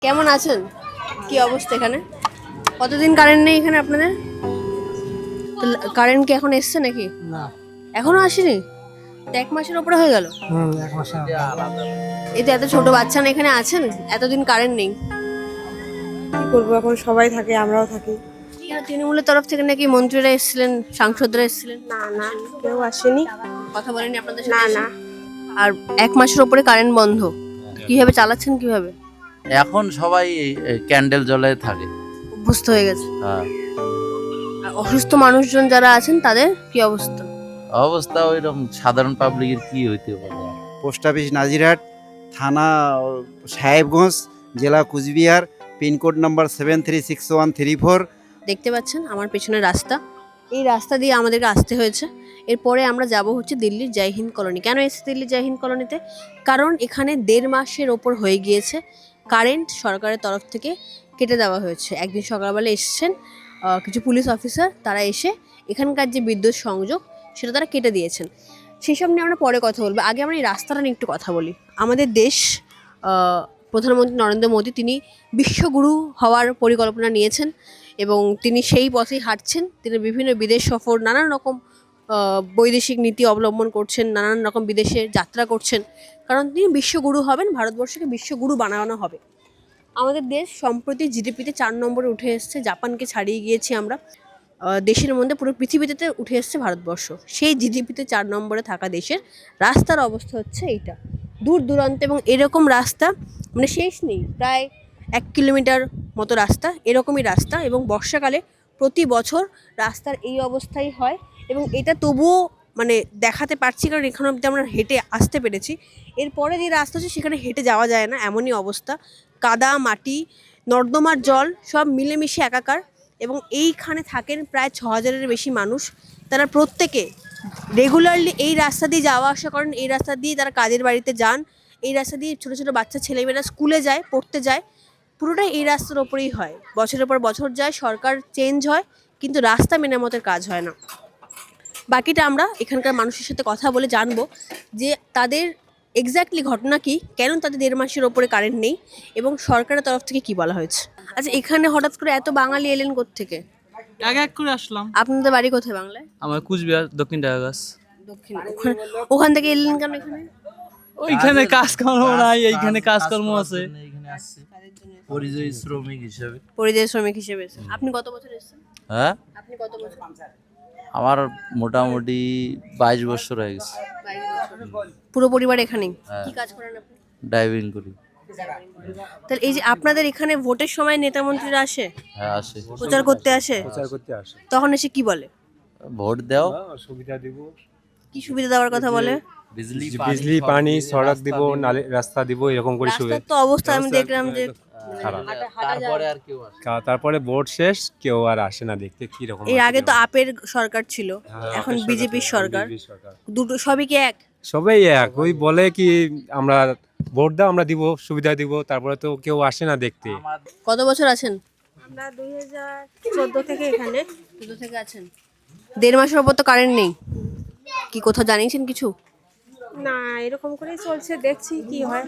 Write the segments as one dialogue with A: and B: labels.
A: কেমন আছেন? কি অবস্থা এখানে? কতদিন কারেন্ট নেই এখানে আপনাদের? তো কারেন্ট কি এখন এসছে নাকি?
B: না।
A: এখনো আসেনি? তো 1 মাসের উপরে হয়ে গেল।
B: ১ মাসের
A: এই তো এত ছোট বাচ্চা না এখানে আছেন, এতদিন কারেন্ট নেই।
C: কি করবো, এখন সবাই থাকে, আমরাও থাকি।
A: এখানে তৃণমূলের তরফ থেকে নাকি মন্ত্রীরা এসেছিলেন, সাংসদরা এসেছিলেন।
C: না না, কেউ আসেনি।
A: কথা বলেনি আপনাদের
C: না
A: সাথে?
C: না,
A: আর 1 মাসের উপরে কারেন্ট বন্ধ। কিভাবে চালাচ্ছেন কিভাবে?
D: এখন সবাই ক্যান্ডেল জ্বলে থাকে।
A: অভ্যস্ত হয়ে গেছে।
D: হ্যাঁ,
A: আর অসুস্থ মানুষজন যারা আছেন তাদের কি অবস্থা?
D: অবস্থা ওইরকম সাধারণ পাবলিকের কি হইতে পারে।
E: পোস্ট অফিস নাজিরহাট, থানা সাহেবগঞ্জ, জেলা কুচবিহার, পিনকোড নাম্বার 736134।
A: দেখতে পাচ্ছেন আমার পেছনে রাস্তা, এই রাস্তা দিয়ে আমাদেরকে আসতে হয়েছে। এরপরে আমরা যাব হচ্ছে দিল্লির জয় হিন্দ কলোনি। কেন এসেছি দিল্লির জয় হিন্দ কলোনিতে? কারণ এখানে 1.5 মাসের ওপর হয়ে গিয়েছে কারেন্ট সরকারের তরফ থেকে কেটে দেওয়া হয়েছে। একদিন সকালবেলা এসেছেন কিছু পুলিশ অফিসার, তারা এসে এখানকার যে বিদ্যুৎ সংযোগ সেটা তারা কেটে দিয়েছেন। সেসব নিয়ে আমরা পরে কথা বলবো, আগে আমরা এই রাস্তাটা নিয়ে একটু কথা বলি। আমাদের দেশ প্রধানমন্ত্রী নরেন্দ্র মোদী তিনি বিশ্বগুরু হওয়ার পরিকল্পনা নিয়েছেন এবং তিনি সেই পথেই হাঁটছেন। তিনি বিভিন্ন বিদেশ সফর, নানান রকম বৈদেশিক নীতি অবলম্বন করছেন, নানান রকম বিদেশে যাত্রা করছেন, কারণ তিনি বিশ্বগুরু হবেন, ভারতবর্ষকে বিশ্বগুরু বানানো হবে। আমাদের দেশ সম্প্রতি জিডিপিতে 4 নম্বরে উঠে এসেছে, জাপানকে ছাড়িয়ে গিয়েছি আমরা। দেশের মধ্যে পুরো পৃথিবীতে উঠে এসেছে ভারতবর্ষ। সেই জিডিপিতে 4 নম্বরে থাকা দেশের রাস্তার অবস্থা হচ্ছে এইটা, দূর দূরান্ত, এবং এরকম রাস্তা মানে শেষ নেই, প্রায় 1 কিলোমিটার মতো রাস্তা, এরকমই রাস্তা। এবং বর্ষাকালে প্রতি বছর রাস্তার এই অবস্থাই হয় এবং এটা তবুও মানে দেখাতে পারছি কারণ এখানে অব্দি আমরা হেঁটে আসতে পেরেছি। এরপরে যে রাস্তা আছে সেখানে হেঁটে যাওয়া যায় না, এমনই অবস্থা। কাদা, মাটি, নর্দমার জল সব মিলেমিশে একাকার। এবং এইখানে থাকেন প্রায় 6,000-এর বেশি মানুষ। তারা প্রত্যেকে রেগুলারলি এই রাস্তা দিয়ে যাওয়া আসা করেন, এই রাস্তা দিয়ে তারা কাজের বাড়িতে যান, এই রাস্তা দিয়ে ছোটো ছোটো বাচ্চা ছেলেমেয়েরা স্কুলে যায়, পড়তে যায়। পুরোটাই এই রাস্তার ওপরেই হয়। বছরের পর বছর যায়, সরকার চেঞ্জ হয়, কিন্তু রাস্তা মেরামতের কাজ হয় না। বাকিটা আমরা এখানকার মানুষের সাথে কথা বলে জানবো যে তাদের এক্স্যাক্টলি ঘটনা কি, কেন তাদের 1.5 মাসের ওপরে কারেন্ট নেই এবং সরকারের তরফ থেকে কি বলা হয়েছে। আচ্ছা, এখানে হঠাৎ করে এত বাঙালি এলেন কোত্থেকে?
F: এক এক করে আসলাম।
A: আপনাদের বাড়ি কোথায় বাংলায়?
F: আমার কুচবিহার দক্ষিণ ডায়াগাছ।
A: দক্ষিণ। ওখান থেকে এলেন কেন এখানে?
F: ওইখানে কাজকর্ম নাই, এইখানে কাজকর্ম আছে।
D: এখানে আসছি পরিযায়ী শ্রমিক হিসেবে।
A: পরিযায়ী শ্রমিক হিসেবে এসেছেন। আপনি কত বছর এসেছেন?
D: হ্যাঁ,
A: আপনি কত বছর?
D: আমার মোটামুটি 22 বছর হয়ে গেছে।
A: 22 বছর। পুরো পরিবার এখানেই?
D: হ্যাঁ।
A: কি কাজ করেন আপনি?
D: ড্রাইভিং করি।
A: তাহলে এই যে আপনাদের এখানে ভোটের সময় নেতা মন্ত্রীরা আসে,
D: হ্যাঁ, আসে।
A: প্রচার করতে আসে, তখন এসে কি বলে?
D: ভোট দাও,
B: সুবিধা দিব,
A: কি সুবিধা দেওয়ার কথা বলে?
B: বিজলি, পানি, সড়ক দিব, নালে রাস্তা দিব, এরকম করে সুবিধা।
A: রাস্তার তো অবস্থা আমি দেখলাম যে
B: খারাপ।
D: তারপরে আর কেউ আসে না।
B: তারপরে ভোট শেষ, কেউ আর আসে না দেখতে কি রকম।
A: এর আগে তো আপের সরকার ছিল, এখন বিজেপির সরকার, দুটো সবই কি এক?
B: সবাই এক, ওই বলে কি আমরা ভোট দাও, আমরা দিব, সুবিধা দিব, তারপরে তো কেউ আসে না দেখতে।
A: কত বছর আছেন?
C: আমরা 2014 থেকে এখানে।
A: দুটো থেকে আছেন। 1.5 মাসের ওপর তো কারেন্ট নেই, কি কোথাও জানিয়েছেন কিছু?
C: না, এরকম করেই চলছে, দেখছি কি হয়।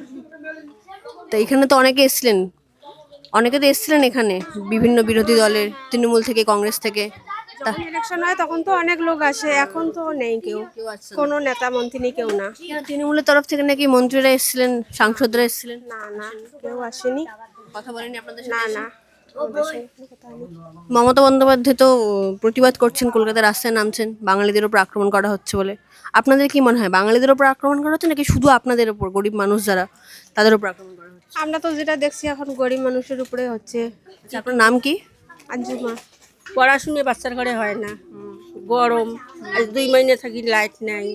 A: তো এখানে তো অনেকে এসেছিলেন, অনেকে তো এসেছিলেন এখানে বিভিন্ন বিরোধী দলের, তৃণমূল থেকে, কংগ্রেস থেকে।
C: যখন ইলেকশন হয় তখন তো অনেক লোক আসে, এখন তো নেই কেউ,
A: কেউ আসছে না।
C: কোনো নেতা মন্ত্রী নেই, কেউ না।
A: কেন তৃণমূলের তরফ থেকে নাকি মন্ত্রীরা এসেছিলেন, সাংসদরা এসেছিলেন?
C: না না, কেউ আসেনি।
A: কথা বলেনি আপনাদের
C: না
A: সাথে?
C: না, আমাদের সঙ্গে কোনো কথা হয়নি।
A: মমতা বন্দ্যোপাধ্যায় তো প্রতিবাদ করছেন, কলকাতার রাস্তায় নামছেন বাঙালিদের উপর আক্রমণ করা হচ্ছে বলে। আপনাদের কি মনে হয় বাঙালিদের উপর আক্রমণ করা হচ্ছে নাকি শুধু আপনাদের উপর, গরিব মানুষ যারা তাদের উপর আক্রমণ করা হচ্ছে?
C: আমরা তো যেটা দেখছি এখন গরিব মানুষের উপরে হচ্ছে।
A: আচ্ছা, আপনার নাম কি?
C: আঞ্জুমা।
G: পড়াশুনে বাচ্চার ঘরে হয় না, গরম, আজ 2 মাইনে থাকি, লাইট নাই,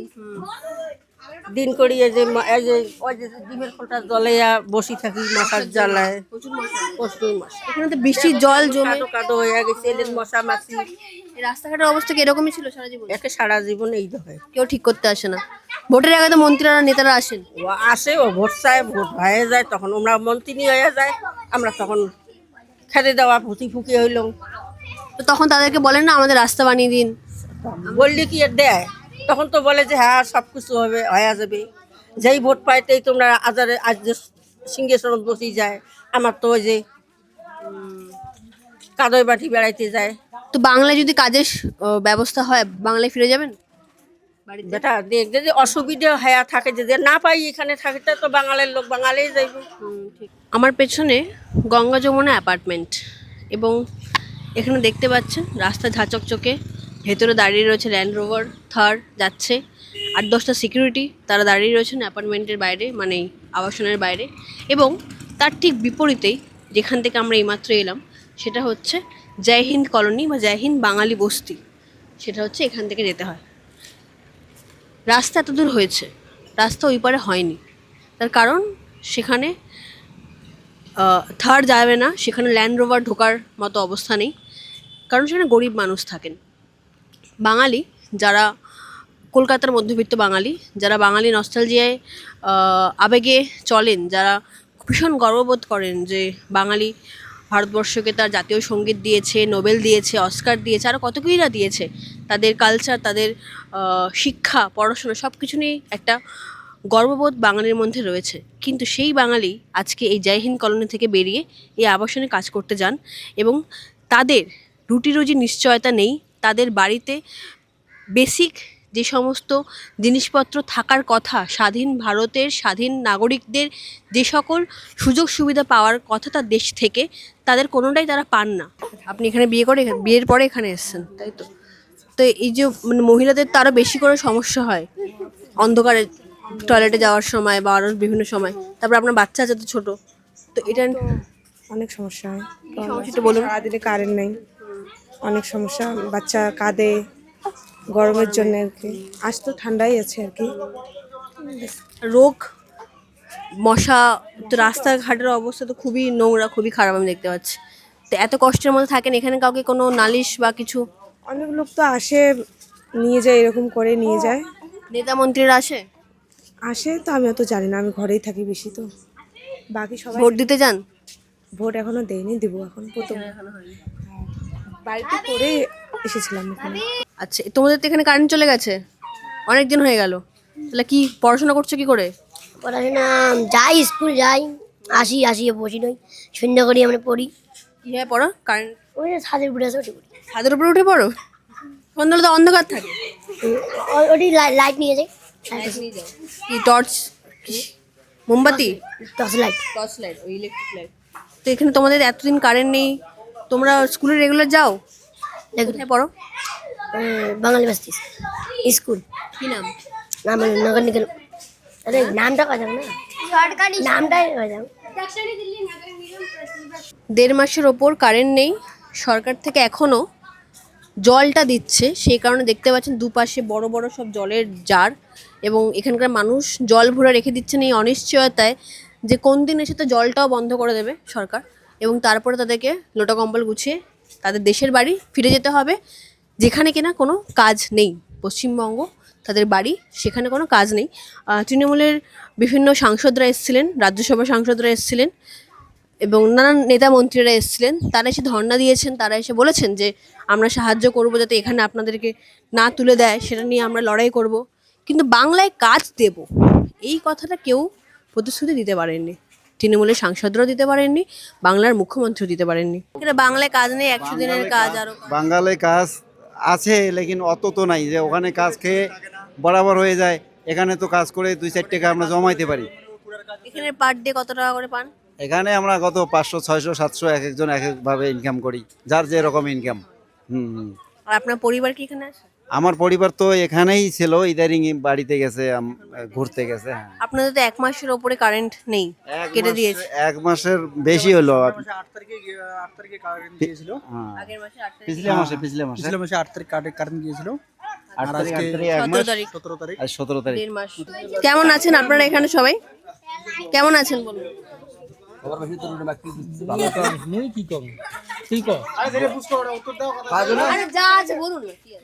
G: দিন করি এই যে ওই যে ডিমের খোলটা জ্বলাইয়া বসি থাকি, মশার জ্বালায় প্রচুর মশা।
A: এখানে তো বৃষ্টির জল জমে
G: কাদো কাদো হয়ে গেছে, এদের মশা মাছি,
A: এই রাস্তাঘাটের অবস্থা কি এরকমই ছিল সারা জীবন?
G: একে সারা জীবন এই হয়।
A: কেউ ঠিক করতে আসে না। ভোটের আগে তো মন্ত্রীরা নেতারা আসেন।
G: ও আসে, ও ভোট চায়, ভোট হয়ে যায়, তখন আমরা মন্ত্রী হয়ে যায়, আমরা তখন খেতে দেওয়া ফুটি ফুকি হইলাম।
A: তো তখন তাদেরকে বলেন না আমাদের রাস্তা বানিয়ে দিন?
G: বললে কি আর দেয়? তখন তো বলে যে হ্যাঁ সব কিছু হবে, হয়ে যাবে। যেই ভোট পাইতেই তোমরা আজ সিংহেশ্বর বসি যায়, আমার তো ওই যে কাদয় বাটি বেড়াইতে যায়।
A: তো বাংলায় যদি কাজের ব্যবস্থা হয় বাংলায় ফিরে যাবেন বাড়িতে?
G: বেটা দেখ যদি অসুবিধা হয়ে থাকে, যদি না পাই এখানে থাকতে তো বাঙালির লোক বাঙালিই যাইব।
A: আমার পেছনে গঙ্গা যমুনা অ্যাপার্টমেন্ট, এবং এখানে দেখতে পাচ্ছেন রাস্তা ঝাঁচকচকে, ভেতরে দাঁড়িয়ে রয়েছে ল্যান্ড রোভার থার যাচ্ছে, 8-10টা সিকিউরিটি তারা দাঁড়িয়ে রয়েছেন অ্যাপার্টমেন্টের বাইরে, মানে আবাসনের বাইরে। এবং তার ঠিক বিপরীতেই যেখান থেকে আমরা এইমাত্র এলাম সেটা হচ্ছে জয় হিন্দ কলোনি বা জয় হিন্দ বাঙালি বস্তি, সেটা হচ্ছে এখান থেকে যেতে হয়। রাস্তা এত দূর হয়েছে, রাস্তা ওই পারে হয়নি, তার কারণ সেখানে থার যাবে না, সেখানে ল্যান্ড রোভার ঢোকার মতো অবস্থা নেই, কারণ সেখানে গরিব মানুষ থাকেন। বাঙালি যারা কলকাতার মধ্যবিত্ত বাঙালি, যারা বাঙালি নস্টালজিয়ায় আবেগে চলেন, যারা ভীষণ গর্ববোধ করেন যে বাঙালি ভারতবর্ষকে তার জাতীয় সঙ্গীত দিয়েছে, নোবেল দিয়েছে, অস্কার দিয়েছে, আরও কত কিছুই না দিয়েছে, তাদের কালচার, তাদের শিক্ষা, পড়াশোনা সব কিছু নিয়ে একটা গর্ববোধ বাঙালির মধ্যে রয়েছে। কিন্তু সেই বাঙালি আজকে এই জয় হিন্দ কলোনি থেকে বেরিয়ে এই আবাসনে কাজ করতে যান, এবং তাদের রুটি রুজির নিশ্চয়তা নেই। তাদের বাড়িতে বেসিক যে সমস্ত জিনিসপত্র থাকার কথা, স্বাধীন ভারতের স্বাধীন নাগরিকদের যে সকল সুযোগ সুবিধা পাওয়ার কথা তার দেশ থেকে, তাদের কোনোটাই তারা পান না। আপনি এখানে বিয়ের পরে এখানে এসেছেন, তাই তো? তো এই যে মানে মহিলাদের তো আরও বেশি করে সমস্যা হয় অন্ধকারে টয়লেটে যাওয়ার সময় বা আরও বিভিন্ন সময়, তারপর আপনার বাচ্চা আছে তো ছোটো, তো এটা
C: অনেক সমস্যা হয়।
A: সমস্যা একটু বলুন।
C: সারাদিনে কারেন্ট নেই, অনেক সমস্যা, বাচ্চা কাঁদে গরমের জন্য আর কি। আজ তো ঠান্ডাই আছে আর কি।
A: রোগ, মশা, তো রাস্তাঘাটের অবস্থা তো খুবই নোংরা, খুবই খারাপ আমি দেখতে পাচ্ছি। তো এত কষ্টের মধ্যে থাকেন, এখানে কাউকে কোনো নালিশ বা কিছু?
C: অনেক লোক তো আসে, নিয়ে যায়, এরকম করে নিয়ে যায়।
A: নেতা মন্ত্রীরা আসে?
C: আসে তো আমি অত জানি না, আমি ঘরেই থাকি বেশি, তো বাকি সবাই
A: ভোট দিতে যান?
C: ভোট এখনো দেয়নি, দিব এখন প্রথম। বাড়িতে করে এসেছিলাম এখানে।
A: আচ্ছা, তোমাদের তো এখানে কারেন্ট চলে গেছে অনেক দিন হয়ে গেল, তাহলে কি পড়াশোনা করছো কি করে?
H: পড়াশোনা যাই, স্কুল যাই, আসিয়ে বসি নই, সন্ধ্যা করি আমরা পড়ি।
A: কীভাবে পড়ো? কারেন্ট
H: ওই যে ছাদের উপরে আছে, ওটি পড়ি।
A: ছাদের উপরে উঠে পড়ো? সন্ধ্যাবেলা তো অন্ধকার থাকে।
H: ওটি লাইট নিয়ে যাই,
A: কি টর্চ, মোমবাতি,
H: টর্চ লাইট।
A: টর্চ লাইট, ওই ইলেকট্রিক লাইট। তো এখানে তোমাদের এতদিন কারেন্ট নেই, তোমরা স্কুলে রেগুলার যাও? কোথায় পড়ো?
H: বাঙালি বাস্তি স্কুল।
A: কি নাম?
H: নাম নগর নিগম। আরে নামটা কথা না, নামটাই হয়ে যাও।
A: 1.5 মাসের ওপর কারেন্ট নেই, সরকার থেকে এখনও জলটা দিচ্ছে, সেই কারণে দেখতে পাচ্ছেন দুপাশে বড় বড় সব জলের জার, এবং এখানকার মানুষ জল ভরে রেখে দিচ্ছেন এই অনিশ্চয়তায় যে কোন দিন এসে তো জলটাও বন্ধ করে দেবে সরকার, এবং তারপরে তাদেরকে লোটা কম্বল গুছিয়ে তাদের দেশের বাড়ি ফিরে যেতে হবে, যেখানে কিনা কোনো কাজ নেই। পশ্চিমবঙ্গ তাদের বাড়ি, সেখানে কোনো কাজ নেই। তৃণমূলের বিভিন্ন সাংসদরা এসেছিলেন, রাজ্যসভার সাংসদরা এসেছিলেন, এবং নানান নেতা মন্ত্রীরা এসেছিলেন, তারা এসে ধর্ণা দিয়েছেন, তারা এসে বলেছেন যে আমরা সাহায্য করব যাতে এখানে আপনাদেরকে না তুলে দেয়, সেটা নিয়ে আমরা লড়াই করব, কিন্তু বাংলায় কাজ দেব এই কথাটা কেউ প্রতিশ্রুতি দিতে পারেননি। তৃণমূলের সাংসদরাও দিতে পারেননি, বাংলার মুখ্যমন্ত্রীও দিতে পারেননি। এখানে বাংলায় কাজ নেই, 100 দিনের কাজ, আরও
E: বাঙালি কাজ আছে, লেকিন অত তো নাই যে ওখানে কাজ খেয়ে বরাবর হয়ে যায়। এখানে তো কাজ করে 2-4 টাকা আমরা জমাইতে পারি।
A: এখানে পার ডে কত টাকা করে পান?
E: এখানে আমরা গত 500, 600, 700 এক একজন এক একভাবে ইনকাম করি, যার যে রকম ইনকাম।
A: আর আপনার পরিবার কি এখানে আছে?
E: আমার পরিবার তো এখানেই ছিল, ইদারিং বাড়িতে গেছে, ঘুরতে গেছে।
A: আপনাদের তো 1 মাসের ওপরে কারেন্ট নেই, কেটে দিয়েছে।
E: 1 মাসের বেশি হলো।
F: 8 তারিখে কারেন্ট দিয়েছিল,
A: আগের মাসে 8 তারিখ,
E: পিছলে মাসে
F: পিছলে মাসে 8 তারিখ কারেন্ট দিয়েছিল,
E: 8 তারিখ,
A: 17 তারিখ,
F: 17 তারিখ।
E: আর 17 তারিখ।
A: 1.5 মাস। কেমন আছেন আপনারা এখানে সবাই? কেমন আছেন বলুন?
F: কি কম ঠিক
A: আরে যা আছে বলুন না, কি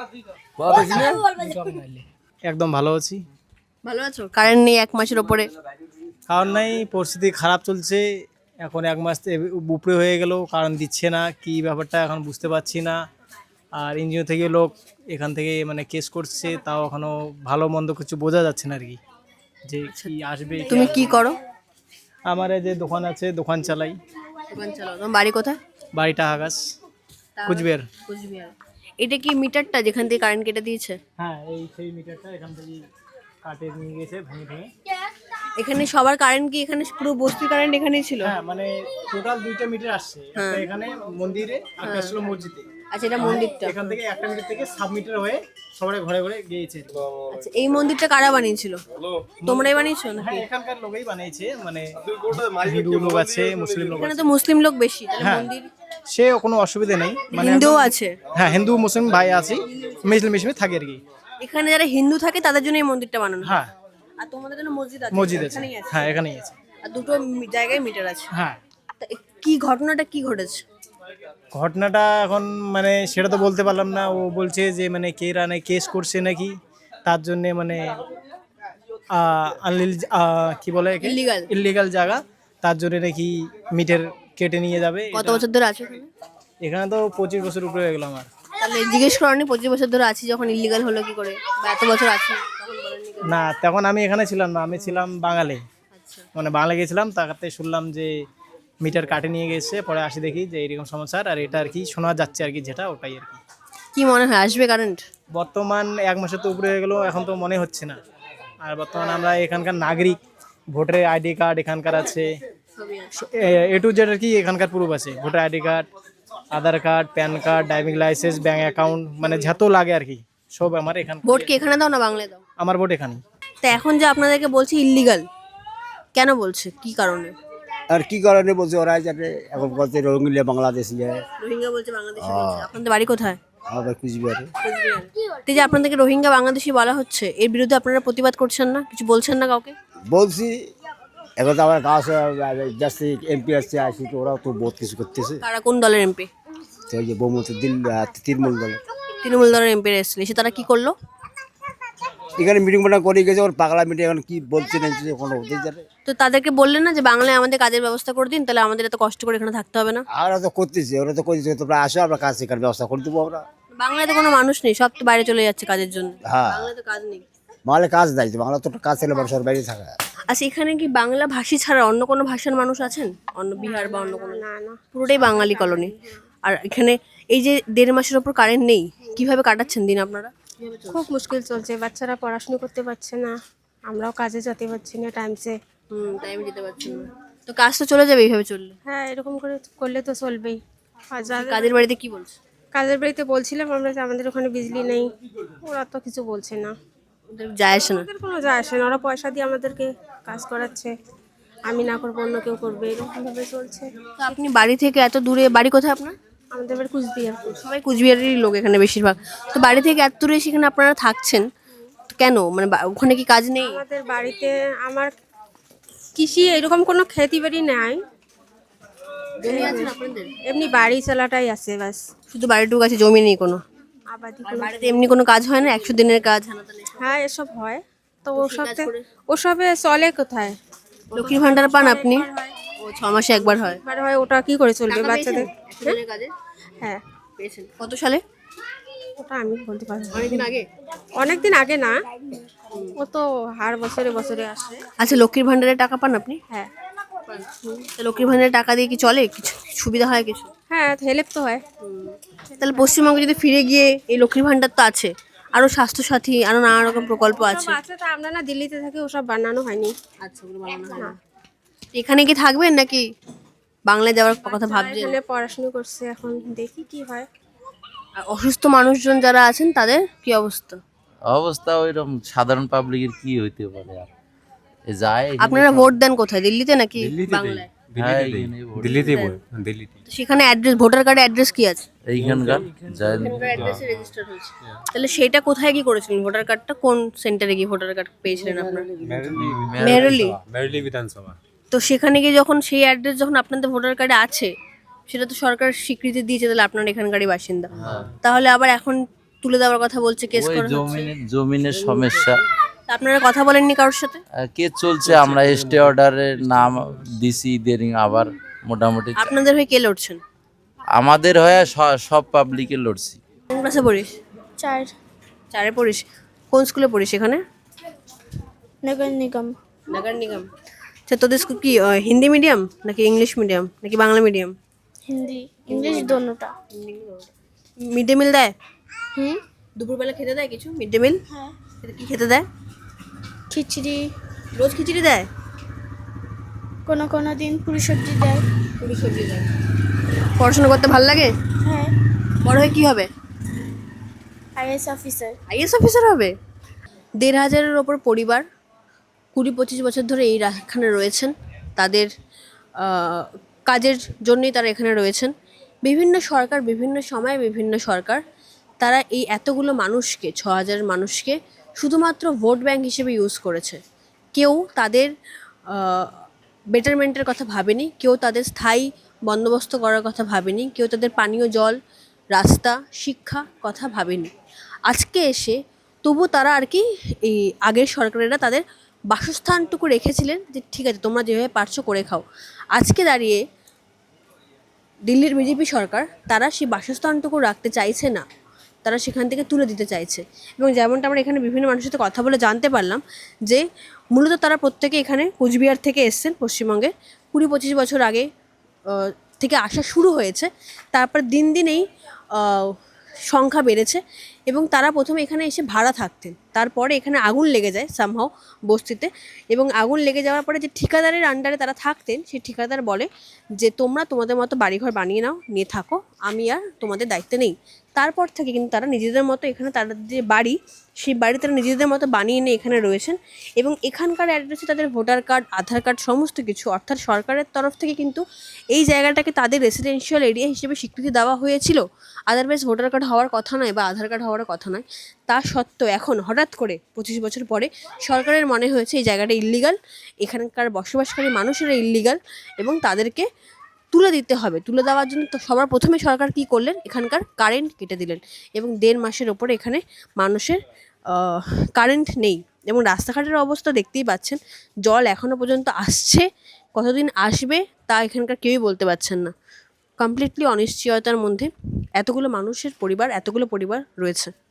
A: আছে?
F: একদম ভালো আছি।
A: ভালো আছো? কারেন্ট নেই 1 মাসের ওপরে।
F: কারণ নাই, পরিস্থিতি খারাপ চলছে এখন, 1 মাস উপরে হয়ে গেল, কারণ দিচ্ছে না, কি ব্যাপারটা এখন বুঝতে পারছি না। আর এনজিও থেকে লোক এখান থেকে মানে কেস করছে, তাও এখনো ভালো মন্দ কিছু বোঝা যাচ্ছে না আর কি, যে কি আসবে।
A: তুমি কি করো?
F: আমার এই যে দোকান আছে, দোকান চালাই।
A: দোকান চালাও। তোমার বাড়ি কোথায়?
F: বাড়িটা হাগাস, কুচবিহার।
A: কুচবিহার। এটা কি মিটারটা যেখান থেকে কারেন্ট কেটে দিয়েছে?
F: হ্যাঁ, এই সেই মিটারটা এখান থেকে কাটে নিয়ে গেছে ভেঙে ভেঙে।
A: এখানে সবার কারেন্ট কি এখানে পুরো বস্তির কারেন্ট এখানেই ছিল?
F: হ্যাঁ, মানে টোটাল 2টা মিটার আসছে, একটা এখানে মন্দিরে, একটা ছিল মসজিদে।
A: আচ্ছা, এটা মন্দিরটা।
F: এখান থেকে একটা মিটার থেকে সাব মিটার হয়ে সবাই ঘরে ঘরে গিয়েছে।
A: আচ্ছা, এই মন্দিরটা কারা বানিয়েছিল? তোমরাই বানিয়েছো নাকি?
F: হ্যাঁ, এখানকার লোকই বানিয়েছে, মানে হিন্দু লোক আছে, মুসলিম লোক
A: এখানে
F: আছে।
A: তো মুসলিম লোক বেশি, তাহলে
F: হ্যাঁ,
A: মন্দির
F: সে কোনো অসুবিধা নেই, মানে
A: হিন্দুও আছে।
F: হ্যাঁ, হিন্দু মুসলিম ভাই আছে, মিশমে থাকে আর কি।
A: এখানে যারা হিন্দু থাকে তাদের জন্য এই মন্দিরটা বানানো।
F: হ্যাঁ,
A: আর তোমাদের জন্য মসজিদ আছে?
F: মসজিদ আছে।
A: এখানেই আছে।
F: হ্যাঁ, এখানেই আছে।
A: আর দুটো জায়গায় মিটার আছে।
F: হ্যাঁ,
A: তা কি ঘটনাটা কি ঘটেছে?
F: ঘটনাটা এখন মানে সেটা তো বলতে পারলাম না। ও বলছে যে মানে কে রানে কেস করছে নাকি, তার জন্য মানে কি বলে
A: Illegal।
F: ইলিগাল জায়গা, তার জন্য নাকি মিটার কেটে নিয়ে যাবে।
A: কত বছর ধরে আছে এখানে?
F: এখানে তো 25 বছর উপরে হয়ে গেল আমার।
A: তাহলে জিজ্ঞেস করনি 25 বছর ধরে আছি যখন ইলিগাল হলো কি করে, বা এত বছর আছি তখন বলেননি কেন?
F: না, তখন আমি এখানে ছিলাম না, আমি ছিলাম বাঙালি,
A: আচ্ছা,
F: মানে বাংলা গেছিলাম। তাতে শুনলাম যে মিটার কাটে নিয়ে গেছে, পরে আসি দেখি যে এইরকম সমস্যা। আর এটা আর কি শোনা যাচ্ছে আর কি, যেটা ওটাই আর কি।
A: কি মনে হয় আসবে কারেন্ট?
F: বর্তমান 1 মাসের তো উপরে হয়ে গেল, এখন তো মনে হচ্ছে না। আর বর্তমানে আমরা এখানকার নাগরিক, ভোটারের আইডি কার্ড এখানকার আছে, এ টু জেড আর কি এখানকার প্রুফ আছে। Voter ID card, Aadhaar card, PAN card, driving licence, bank account, মানে যত লাগে আর কি সব আমার এখানে।
A: ভোট কি এখানে দাও না বাংলায় দাও?
F: আমার ভোট এখানে।
A: তা এখন যে আপনাদেরকে বলছে ইলিগাল, কেন বলছে, কি কারণে?
I: আর কি কারণে বলছে ওরা যাতে এখন বলছে রোহিঙ্গা বাংলাদেশ
A: রোহিঙ্গা বলছে, বাংলাদেশি বলছে। আপনাদের বাড়ি কোথায়?
I: আবার কুচবিহারে।
A: এই যে আপনাদেরকে রোহিঙ্গা বাংলাদেশি বলা হচ্ছে, এর বিরুদ্ধে আপনারা প্রতিবাদ করছেন না, কিছু বলছেন না কাউকে?
I: বলছি এখন তো আমার কাছে জাস্ট এমপি আসছে আসি, তো ওরাও তো বহুত কিছু করতেছে।
A: তারা কোন দলের এমপি?
I: তো ওই যে বহুমতি তৃণমূল দলে
A: তৃণমূল দলের এমপি এসেছিল, এসে তারা কি করলো?
I: এখানে মিটিং মিটিং করে গেছে, ওর পাগলা মিটিং এখন কি বলছে না কোনো ওদের জানে।
A: তো তাদেরকে বললেন না যে বাংলায় আমাদের কাজের ব্যবস্থা করে দিন, তাহলে আমাদের এত কষ্ট করে এখানে থাকতে হবে না?
I: ওরা তো করতেছে, ওরা তো করতেছে, তোমরা আসো আমরা কাজ শেখার ব্যবস্থা করে দেবো আমরা।
A: বাংলায় তো কোনো মানুষ নেই, সব তো বাইরে চলে যাচ্ছে কাজের জন্য।
I: হ্যাঁ,
A: বাংলায় তো কাজ নেই।
I: বাংলা কাজ দেয়, বাংলা তো কাজ ছেলে মানুষের বাইরে থাকা।
A: আচ্ছা, এখানে কি বাংলা ভাষী ছাড়া অন্য কোনো ভাষার মানুষ আছেন? অন্য বিহার বা অন্য কোনো?
C: না না,
A: পুরোটাই বাঙালি কলোনি। আর এখানে এই যে 1.5 মাসের ওপর কারেন্ট নেই, কিভাবে কাটাচ্ছেন দিন আপনারা?
C: খুব মুশকিল চলছে, বাচ্চারা পড়াশোনা করতে পারছে না, আমরাও কাজে যেতে পারছি না টাইমসে।
A: টাইম দিতে পারছেন না, তো কাজ তো চলে যাবে এইভাবে চললে।
C: হ্যাঁ, এরকম করে করলে তো চলবেই। আর যাদের
A: কাজের বাড়িতে কি বলছে?
C: কাজের বাড়িতে বলছিলাম আমরা যে আমাদের ওখানে বিজলি নেই, ওরা তো কিছু বলছে না।
A: ওদের যায় আসে না।
C: ওদের কোনো যায় আসে না, ওরা পয়সা দিয়ে আমাদেরকে কাজ করাচ্ছে, আমি না করবো অন্য কেউ করবে, এরকমভাবে চলছে।
A: তো আপনি বাড়ি থেকে এত দূরে, বাড়ি কোথায় আপনার?
C: আমাদের বাড়ি কুচবিহার।
A: সবাই কুচবিহারেরই লোক এখানে বেশিরভাগ। তো বাড়ি থেকে এত দূরে সেখানে আপনারা থাকছেন তো কেন? মানে ওখানে কি কাজ নেই?
C: আমাদের বাড়িতে আমার কৃষি এরকম কোনো খেতি বাড়ি নাই,
A: জমি আছে না আপনাদের?
C: এমনি বাড়ি চালাটাই আছে বাস,
A: শুধু বাড়িটুকু আছে, জমি নেই কোনো?
C: আবাদি
A: আর
C: কোনো।
A: বাড়িতে এমনি কোনো কাজ হয় না? 100 দিনের কাজ, হানাতালি এসব?
C: হ্যাঁ, এসব হয়, তো ওসবে চলে কোথায়?
A: লক্ষ্মীর ভান্ডার পান আপনি? ও 6 মাসে একবার হয়।
C: একবার হয়, ওটা কি করে চলবে বাচ্চাদের?
A: 100 দিনের কাজে
C: হ্যাঁ,
A: পেয়েছেন কত সালে?
C: ওটা আমি বলতে পারবো না।
A: অনেকদিন আগে।
C: অনেকদিন আগে না, ও তো হার বছরে বছরে আসে।
A: আচ্ছা, লক্ষ্মীর ভান্ডারের টাকা পান আপনি?
C: হ্যাঁ
A: তো লক্ষ্মীর ভান্ডারের টাকা দিয়ে কি চলে, কিছু সুবিধা হয় কিছু?
C: হ্যাঁ, হেল্প তো হয়।
A: তাহলে পশ্চিমবঙ্গে যদি ফিরে গিয়ে এই লক্ষ্মীর ভান্ডার তো আছে, আরো স্বাস্থ্যসাথী, আরো নানা রকম প্রকল্প আছে।
C: সব আছে, তো আমরা না দিল্লিতে থাকি, ওসব বানানো হয়নি।
A: আচ্ছা, ওগুলো বানানো হয় না। এখানে কি থাকবেন নাকি বাংলায় যাওয়ার কথা ভাবছেন?
C: এখানে পড়াশোনা করছে, এখন দেখি কি হয়।
A: আর অসুস্থ মানুষজন যারা আছেন তাদের কি অবস্থা?
D: অবস্থা ওইরকম সাধারণ পাবলিকের কি হইতে পারে আর এ যায় এখানে
A: আপনারা ভোট দেন কোথায়, দিল্লিতে নাকি
B: দিল্লিতে
A: বাংলায়?
D: হ্যাঁ,
B: দিল্লিতে
D: এখানেই ভোট।
B: দিল্লিতেই দিল্লিতে।
A: তো সেখানে অ্যাড্রেস, ভোটার কার্ডে অ্যাড্রেস কি আছে?
D: এইখানকার যায়
A: অ্যাড্রেসে রেজিস্টার হয়েছে। তাহলে সেটা কোথায় কি করেছিলেন? ভোটার কার্ডটা কোন সেন্টারে গিয়ে ভোটার কার্ড পেয়েছিলেন আপনারা? মেহরলি।
B: মেরলি বিধানসভা।
A: তো সেখানে গিয়ে যখন সেই অ্যাড্রেস যখন আপনাদের ভোটার কার্ডে আছে, সেটা তো সরকার স্বীকৃতি দিয়েছে, তাহলে আপনারা এখানকারই বাসিন্দা। তাহলে আবার এখন তুলে দেওয়ার কথা বলছে, কেস
D: ওই
A: করা হচ্ছে।
D: জমিনের সমস্যা।
A: তা আপনারা কথা বলেননি কারোর সাথে?
D: কেস চলছে, আমরা স্টে অর্ডারের নাম দিছি, ইদারিং আবার মোটামুটি
A: আপনাদের হয়ে কে লড়ছেন?
D: আমাদের হয়ে সব পাবলিকে লড়ছি।
A: কোন ক্লাসে পড়িস? 4 পড়িস। কোন স্কুলে পড়িস এখানে?
H: নগর নিগম।
A: নগর নিগম। আচ্ছা, তোদের স্কুল কি হিন্দি মিডিয়াম নাকি ইংলিশ মিডিয়াম নাকি বাংলা মিডিয়াম?
H: হিন্দি ইংলিশ দোনোটা।
A: মিড ডে মিল দেয়?
H: হুম।
A: দুপুরবেলা খেতে দেয় কিছু মিড ডে মিল?
H: হ্যাঁ,
A: কি খেতে দেয়?
H: খিচড়ি,
A: রোজ খিচুড়ি দেয়?
H: কোনো কোনো দিন পুরি সবজি দেয়।
A: পুরি সবজি দেয়। পড়াশোনা করতে ভালো লাগে?
H: হ্যাঁ,
A: বড় হয়ে কি হবে?
H: IAS officer.
A: আইএস অফিসার হবে? 1,500-এর ওপর পরিবার 20-25 বছর ধরে এখানে রয়েছেন। তাদের কাজের জন্যই তারা এখানে রয়েছেন। বিভিন্ন সরকার, বিভিন্ন সময়ে বিভিন্ন সরকার, তারা এই এতগুলো মানুষকে, 6,000 মানুষকে শুধুমাত্র ভোট ব্যাংক হিসেবে ইউজ করেছে। কেউ তাদের বেটারমেন্টের কথা ভাবেনি, কেউ তাদের স্থায়ী বন্দোবস্ত করার কথা ভাবেনি, কেউ তাদের পানীয় জল, রাস্তা, শিক্ষা কথা ভাবেনি। আজকে এসে তবু তারা আর কি, এই আগের সরকারেরা তাদের বাসস্থানটুকু রেখেছিলেন যে ঠিক আছে তোমরা যেভাবে পারছো করে খাও। আজকে দাঁড়িয়ে দিল্লির বিজেপি সরকার তারা সেই বাসস্থানটুকু রাখতে চাইছে না, তারা সেখান থেকে তুলে দিতে চাইছে। এবং যেমনটা আমরা এখানে বিভিন্ন মানুষের সাথে কথা বলে জানতে পারলাম যে মূলত তারা প্রত্যেকে এখানে কোচবিহার থেকে এসছেন পশ্চিমবঙ্গে। 20-25 বছর আগে থেকে আসা শুরু হয়েছে। তারপর দিন দিন এই সংখ্যা বেড়েছে এবং তারা প্রথমে এখানে এসে ভাড়া থাকতেন। তারপরে এখানে আগুন লেগে যায় সামহাও বস্তিতে, এবং আগুন লেগে যাওয়ার পরে যে ঠিকাদারের আন্ডারে তারা থাকতেন, সেই ঠিকাদার বলে যে তোমরা তোমাদের মতো বাড়িঘর বানিয়ে নাও, নিয়ে থাকো, আমি আর তোমাদের দায়িত্বে নেই। তারপর থেকে কিন্তু তারা নিজেদের মতো এখানে তাদের যে বাড়ি, সেই বাড়ি তারা নিজেদের মতো বানিয়ে নিয়ে এখানে রয়েছেন। এবং এখানকার অ্যাড্রেসে তাদের ভোটার কার্ড, আধার কার্ড সমস্ত কিছু, অর্থাৎ সরকারের তরফ থেকে কিন্তু এই জায়গাটাকে তাদের রেসিডেন্সিয়াল এরিয়া হিসেবে স্বীকৃতি দেওয়া হয়েছিল। আদারওয়াইজ ভোটার কার্ড হওয়ার কথা নয় বা আধার কার্ড হওয়ার কথা নয়। তা সত্ত্বেও এখন হঠাৎ করে 25 বছর পরে সরকারের মনে হয়েছে এই জায়গাটা ইল্লিগাল, এখানকার বসবাসকারী মানুষেরা ইল্লিগাল এবং তাদেরকে তুলে দিতে হবে। তুলে দেওয়ার জন্য তো সবার প্রথমে সরকার কী করলেন, এখানকার কারেন্ট কেটে দিলেন এবং 1.5 মাসের ওপরে এখানে মানুষের কারেন্ট নেই। এবং রাস্তাঘাটের অবস্থা দেখতেই পাচ্ছেন, জল এখনও পর্যন্ত আসছে, কতদিন আসবে তা এখানকার কেউই বলতে পারছেন না। কমপ্লিটলি অনিশ্চয়তার মধ্যে এতগুলো মানুষের পরিবার, এতগুলো পরিবার রয়েছে।